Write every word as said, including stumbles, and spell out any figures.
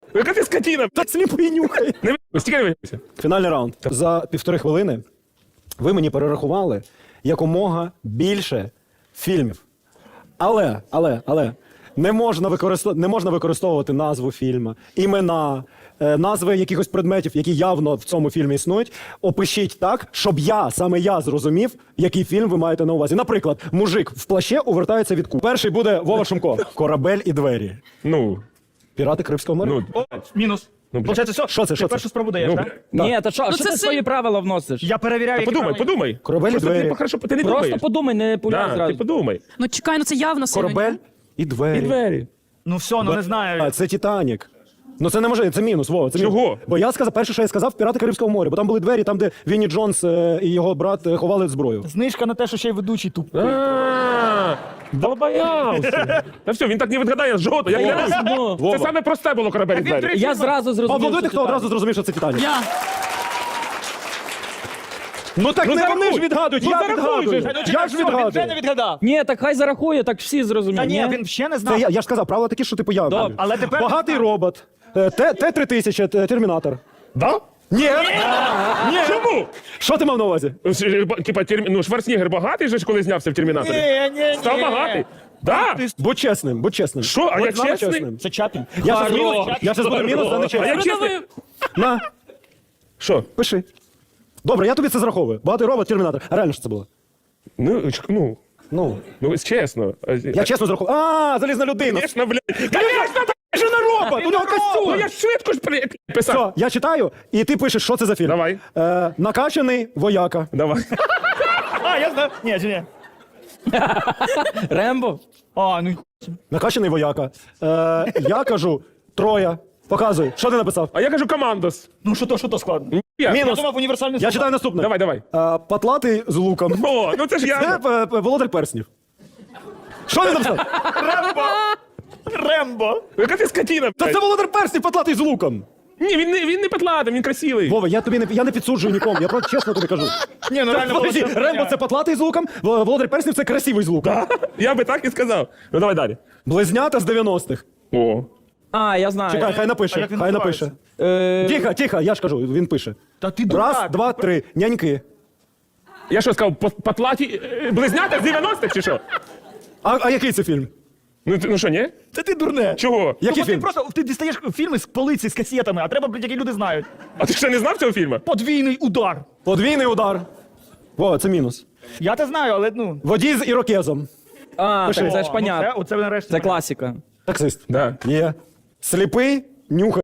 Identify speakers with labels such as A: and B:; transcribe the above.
A: Яка ти скотина?
B: Так сліпий нюхає.
A: Не ви- стільки не вийшся.
B: Фінальний раунд. За півтори хвилини ви мені перерахували якомога більше фільмів. Але, але, але не можна, використов... не можна використовувати назву фільму, імена, е, назви якихось предметів, які явно в цьому фільмі існують. Опишіть так, щоб я, саме я зрозумів, який фільм ви маєте на увазі. Наприклад, мужик в плаще увертається від куб. Перший буде Вова Шумко. Корабель і двері.
A: Ну,
B: Пірати Карибського моря.
A: ну,
C: О, мінус.
A: Ну, блядь.
C: Получається, все?
B: Що це, що
C: Ти
B: це?
C: першу спробу даєш,
A: ну,
C: так?
A: бля.
D: Ні, та що, що
E: це
D: ти
E: си-
D: свої правила вносиш?
C: Я перевіряю, які
A: подумай,
C: правила.
A: подумай.
B: Корабель і
A: Просто
B: двері.
A: ти хорошо, ти не
D: Просто
A: думаєш.
D: подумай, не пуляй
A: Да,
D: зразу.
A: ти подумай.
E: Ну чекай, ну це явно сильно.
B: Корабель і двері.
A: І двері.
C: Ну все, ну не знаю.
B: А, це Титанік. Ну це не може, це мінус, Вова, це мінус.
A: Чого?
B: Бо я сказав, перше, що я сказав, Пірати Карибського моря, бо там були двері, там, де Вінні Джонс е, і його брат е, ховали зброю.
C: Знижка на те, що ще й ведучий туп.
A: А, долбоявся. Та все, він так не відгадає жодного. Я клянусь.
D: Ну,
A: Це
B: Вова.
A: саме просте було корабель і двері.
D: я зразу зрозумів.
B: Аплодуйте,
D: що
B: хто
D: ти
B: одразу зрозумів, що це Титанік.
E: Я.
B: Ну так
A: Ну,
B: не вони
A: зарахуй.
B: ж відгадують,
A: Ну,
B: я
A: зарахуй
B: відгадую.
A: же.
B: Я ж
C: Він вже не
B: відгадую.
C: відгадав.
D: Ні, так хай зарахує, так всі зрозуміють.
C: Та ні, він ще не знав.
B: Це я, я ж сказав, правила такі, що типу я.
D: Добре,
C: але тепер-
B: Багатий робот. Е, Т- Т-три тисячі, Т- Термінатор.
A: Да?
B: Ні.
A: Ні. Чому?
B: Що ти мав на увазі?
A: Типа, терм- ну, Шварценеггер багатий же ж, коли знявся в Термінаторі?
C: Ні, ні, ні.
A: Став багатий? Да?
B: Будь чесним, будь чесним.
A: Що, а
B: Будь
A: я
B: з нами
A: чесний?
B: чесним.
C: Це Чапін.
B: Я зараз
A: Хорош.
B: мінус, я зараз буду мінус за
A: А я
B: нечесність.
A: чесний.
B: На,
A: Що?
B: пиши. Добре, я тобі це зраховую. Багатий робот, Термінатор. А реально що це було?
A: Ну, ч- ну,
B: Ну,
A: ну, чесно.
B: я чесно зраховую. А, залізна людина.
A: Звісно, блядь. Конечно,
B: Це ж не робот, у нього
A: ну
B: костюм.
A: я ж швидко ж при- писав.
B: Все, я читаю, і ти пишеш, що це за фільм.
A: Давай.
B: Е, накачаний вояка.
A: Давай.
C: А, я знаю. Ні, чи ні.
D: Рембо?
C: А, ну
B: Накачаний вояка. Е, я кажу, Троя. Показуй, що ти написав?
A: А я кажу командос.
C: ну що то, що то складно.
A: Я.
C: Я
B: Мінус.
C: думав універсальний
B: Я
C: слова.
B: читаю наступне.
A: Давай, давай.
B: Е, патлатий з луком.
A: О, ну це ж
B: Це
A: я.
B: е, е, володар перснів. Що ти написав?
C: Рембо! Рембо!
A: Яка ти скотина,
B: Та
A: блядь.
B: це володар перснів, патлатий з луком.
A: Ні, він не, він не петлатий, він красивий.
B: Вова, я тобі не я не підсуджую нікому. Я просто чесно тобі кажу.
C: Ні, ну реально
B: Подожди,
C: було
B: Рембо це патлатий з луком, Вол- володар перснів це красивий з луком.
A: Я би так і сказав. Ну давай далі.
B: Близнята з дев'яностих.
A: О.
D: А, я знаю.
B: Чекай, хай
C: А
B: напише,
C: як він
B: хай
C: називається?
D: Е,
B: напише. Тихо, тихо, я ж кажу, він пише.
C: Та ти
B: Раз,
C: дурак.
B: два, три. Няньки.
A: Я що сказав, по- патлаті е, близнята з дев'яностих чи що?
B: А, а який це фільм?
A: Ну, ти- ну що, ні?
C: Та ти дурне.
A: Чого?
B: Який
C: Тому ти
B: фільм?
C: просто ти дістаєш фільми з полиці з касетами, а треба, блядь, які люди знають.
A: А ти ще не знав цього фільму?
C: Подвійний удар.
B: Подвійний удар. Вова, це мінус.
C: Я те знаю, але ну.
B: Водій з ірокезом.
D: а,
B: Пиши.
D: так це ж
C: О,
D: понятно.
C: ну Це, оце нарешті.
D: Це класика.
B: Таксист.
A: Да.
B: Є. Сліпий, нюхає.